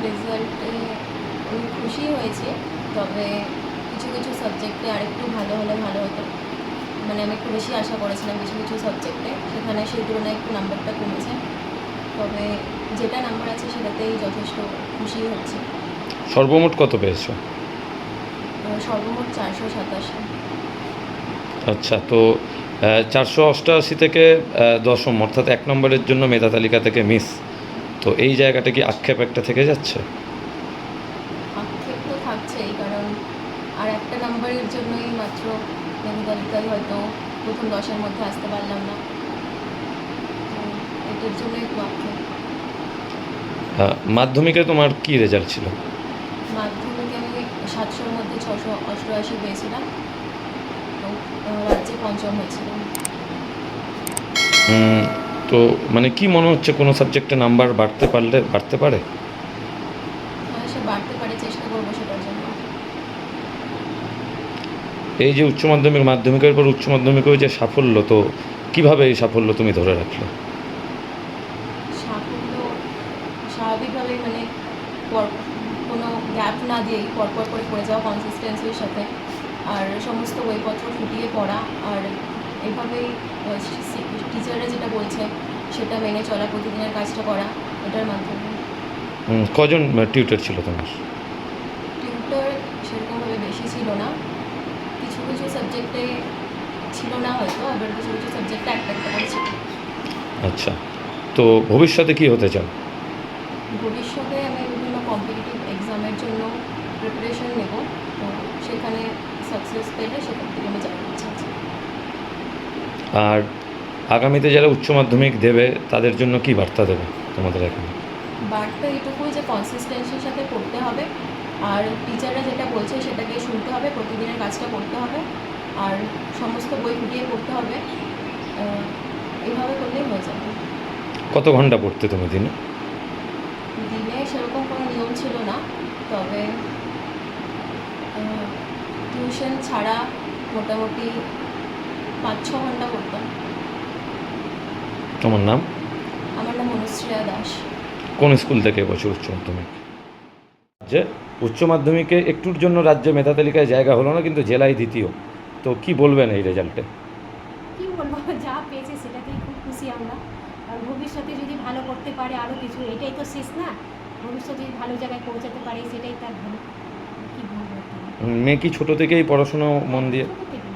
রেজাল্টে আমি খুশি হয়েছি, তবে কিছু কিছু সাবজেক্টে আরেকটু ভালো হলে ভালো হতো। মানে আমি একটু বেশি আশা করেছিলাম কিছু কিছু সাবজেক্টে, সেখানে সেই তুলনায় একটু নাম্বারটা কমেছে। তবে যেটা নাম্বার আছে সেটাতেই যথেষ্ট খুশি হচ্ছি। সর্বমোট কত পেয়েছো? সর্বমোট 487। আচ্ছা, তো 488 থেকে দশম অর্থাৎ 1 নম্বরের জন্য মেধা তালিকা থেকে মিস, তো এই জায়গাটা কি আক্ষেপ একটা থেকে যাচ্ছে? আক্ষেপ তো থাকছেই, কারণ আর একটা নাম্বারের জন্যই মাত্র মেধা তালিকায় হয়তো প্রথম 10-এর মধ্যে আসতে পারলাম না, তো এটার জন্য একটু আক্ষেপ। মাধ্যমিকে তোমার কি রেজাল্ট ছিল? মাধ্যমিকে আমি 700-র মধ্যে 688 পেয়েছিলাম, তো রাজ্যে পঞ্চম হয়েছিলাম। তো মানে কি মনে হচ্ছে কোনো সাবজেক্টে নাম্বার বাড়তে পারলে বাড়তে পারে? হ্যাঁ, সে বাড়তে পারে, চেষ্টা করবো সেটার জন্য। এই যে উচ্চ মাধ্যমিক, মাধ্যমিকের পর উচ্চ মাধ্যমিকেও যে সাফল্য, তো কিভাবে এই সাফল্য তুমি ধরে রাখলে? সাফল্য স্বাভাবিকভাবেই, মানে কোনো গ্যাপ না দিয়েই পরপর করে পড়ে যাওয়া কনসিস্টেন্সির সাথে, আর সমস্ত বইপত্র ফুটিয়ে পড়া, আর এভাবেই টিচাররা যেটা বলছে সেটা মেনে চলা, প্রতিদিনের কাজটা করা, এটার মাধ্যমে। কজন টিউটর ছিল তোমার? টিউটর সেরকমভাবে বেশি ছিল না, কিছু কিছু সাবজেক্টে ছিল না হয়তো, আবার কিছু কিছু সাবজেক্টে একটা একটা করে ছিল। আচ্ছা, তো ভবিষ্যতে কি হতে চাও? ভবিষ্যতে আমি বিভিন্ন কম্পিটিটিভ এক্সামের জন্য প্রিপারেশন নেব, তো সেখানে সাকসেস পেলে সেখান থেকে আমি যাওয়ার ইচ্ছা আছে। আর আগামীতে যারা উচ্চ মাধ্যমিক দেবে তাদের জন্য কি বার্তা দেবে তোমাদের এখানে? বার্তা এটুকুই যে কনসিস্টেন্সির সাথে পড়তে হবে, আর টিচাররা যেটা বলছে সেটাকে শুনতে হবে, প্রতিদিনের কাজটা করতে হবে, আর সমস্ত বই ফুটিয়ে পড়তে হবে। এইভাবে করলেই হয়ে যাবে। কত ঘন্টা পড়তে তুমি দিনে? দিনে সেরকম কোনো নিয়ম ছিল না, তবে টিউশন ছাড়া মোটামুটি 5-6 ঘন্টা পড়তাম। তোমার নাম? আমার নাম অনুশ্রেয়া দাস। কোন স্কুল থেকে এবছর উচ্চ মাধ্যমিক? যে উচ্চ মাধ্যমিকে একটুর জন্য রাজ্যে মেধা তালিকায় জায়গা হলো না, কিন্তু জেলায় দ্বিতীয়, তো কি বলবেন এই রেজাল্টে? কী বলবো, যা পেয়েছে সেটাতেই খুব খুশি আমরা। আর ভবিষ্যতে যদি ভালো করতে পারে আরও কিছু, এটাই তো শেষ না, ভবিষ্যতে যদি ভালো জায়গায় পৌঁছাতে পারে সেটাই তার ভালো। কী বলবো, মেয়ে কি ছোটো থেকেই পড়াশুনো মন দিয়ে? ছোটো থেকে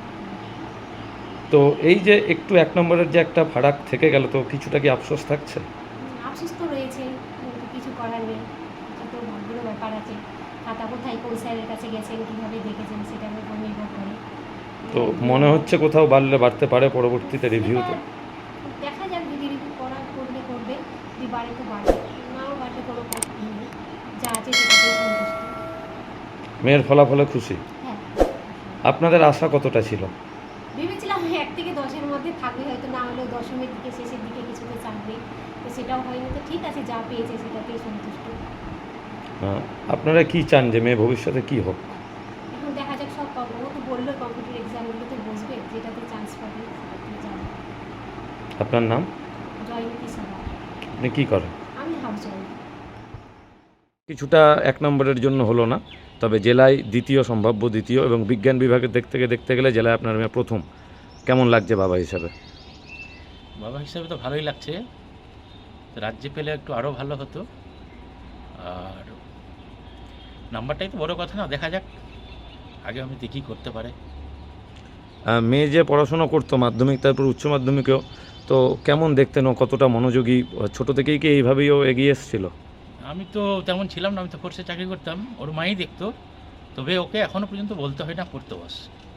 তো এই যে একটু 1 নম্বরের যে একটা ফারাক থেকে গেল, তো কিছুটা কি আফসোস থাকছে? আফসোস তো রয়েছে, কিন্তু কিছু করার নেই, এটা তো ভাগ্যেরও ব্যাপার আছে। খাতা কোথায় কোন স্যারের কাছে গেছেন, কীভাবে দেখেছেন সেটার উপর নির্ভর করে। তো মনে হচ্ছে কোথাও বাড়লে বাড়তে পারে পরবর্তীতে রিভিউতে? দেখা যাক, যদি রিভিউ করলে করবে, যদি বাড়ে তো বাড়বে, নাও বাড়লে কোনো কথা নেই, যা আছে সেটাতেই সন্তুষ্ট। মেয়ের ফলাফলে খুশি? হ্যাঁ, আপনাদের আশা কতটা ছিল? ভেবেছিলাম 1 থেকে 10-এর মধ্যে থাকবে, হয়তো না হলেও দশমের দিকে শেষের দিকে কিছুতে চাকবে, তো সেটাও হয়নি, তো ঠিক আছে, যা পেয়েছে সেটাতেই সন্তুষ্ট। আপনারা কি চান যে মেয়ে ভবিষ্যতে কি হোক? এখন দেখা যাক, সব পাবো, ও তো বললো কম্পিউটার এক্সামগুলোতে বসবে, যেটাতে চান্স পাবে সেটাতে যাবে। আপনার নাম? জয়ন্তী সাহা। আপনি কী করেন? আমি হাউস ওয়াইফ। কিছুটা 1 নম্বরের জন্য হলো না, তবে জেলায় দ্বিতীয়, সম্ভাব্য দ্বিতীয়, এবং বিজ্ঞান বিভাগের দেখতে গেলে জেলায় আপনার মেয়ে প্রথম। কেমন লাগছে বাবা হিসাবে? বাবা হিসাবে তো ভালোই লাগছে, রাজ্যে পেলে একটু আরও ভালো হতো। আর নাম্বারটাই তো বড় কথা না, দেখা যাক, আগে আমি দেখি করতে পারে। মেয়ে যে পড়াশোনা করতো মাধ্যমিক তারপর উচ্চ মাধ্যমিকেও, তো কেমন দেখতেন ও, কতটা মনোযোগী? ছোটো থেকেই কি এইভাবেই ও এগিয়ে এসেছিল? আমি তো তেমন ছিলাম না, আমি তো ফোর্সে চাকরি করতাম, ওর মাই দেখতো, তবে ওকে এখনও পর্যন্ত বলতে হয় না পড়তে বস।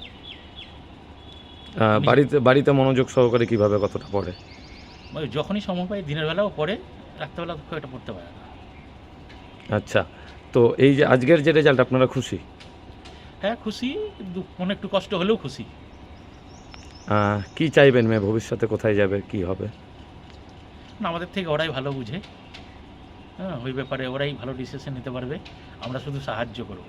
বাড়িতে মনোযোগ সহকারে কিভাবে, কতটা পড়ে? যখনই সময় পাই, দিনের বেলাও পড়ে, রাত্রেবেলা খুব একটা পড়তে পারে না। আচ্ছা, তো এই যে আজকের যে রেজাল্ট, আপনারা খুশি? হ্যাঁ খুশি, মনে একটু কষ্ট হলেও খুশি। কি চাইবেন মেয়ে ভবিষ্যতে, কোথায় যাবে, কি হবে? না, আমাদের থেকে ওরাই ভালো বুঝে, হ্যাঁ, ওই ব্যাপারে ওরাই ভালো ডিসিশন নিতে পারবে, আমরা শুধু সাহায্য করব।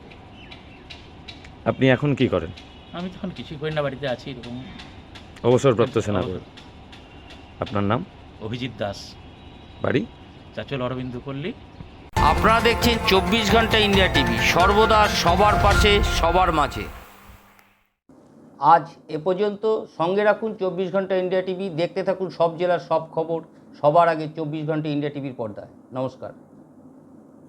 আপনি এখন কি করেন? আমি তখন কিছুই করি না, বাড়িতে আছি এরকম। অবসরপ্রাপ্ত সেনাপতি। আপনার নাম? অভিজিৎ দাস। বাড়ি? চাচল অরবিন্দ পল্লী। আপনারা দেখছেন 24 ঘন্টা ইন্ডিয়া টিভি, সর্বদা সবার পাশে সবার মাঝে। আজ এ পর্যন্ত। সঙ্গে রাখুন 24 ঘন্টা ইন্ডিয়া টিভি। দেখতে থাকুন সব জেলার সব খবর সবার আগে 24 ঘন্টা ইন্ডিয়া টিভির পর্দায়। নমস্কার।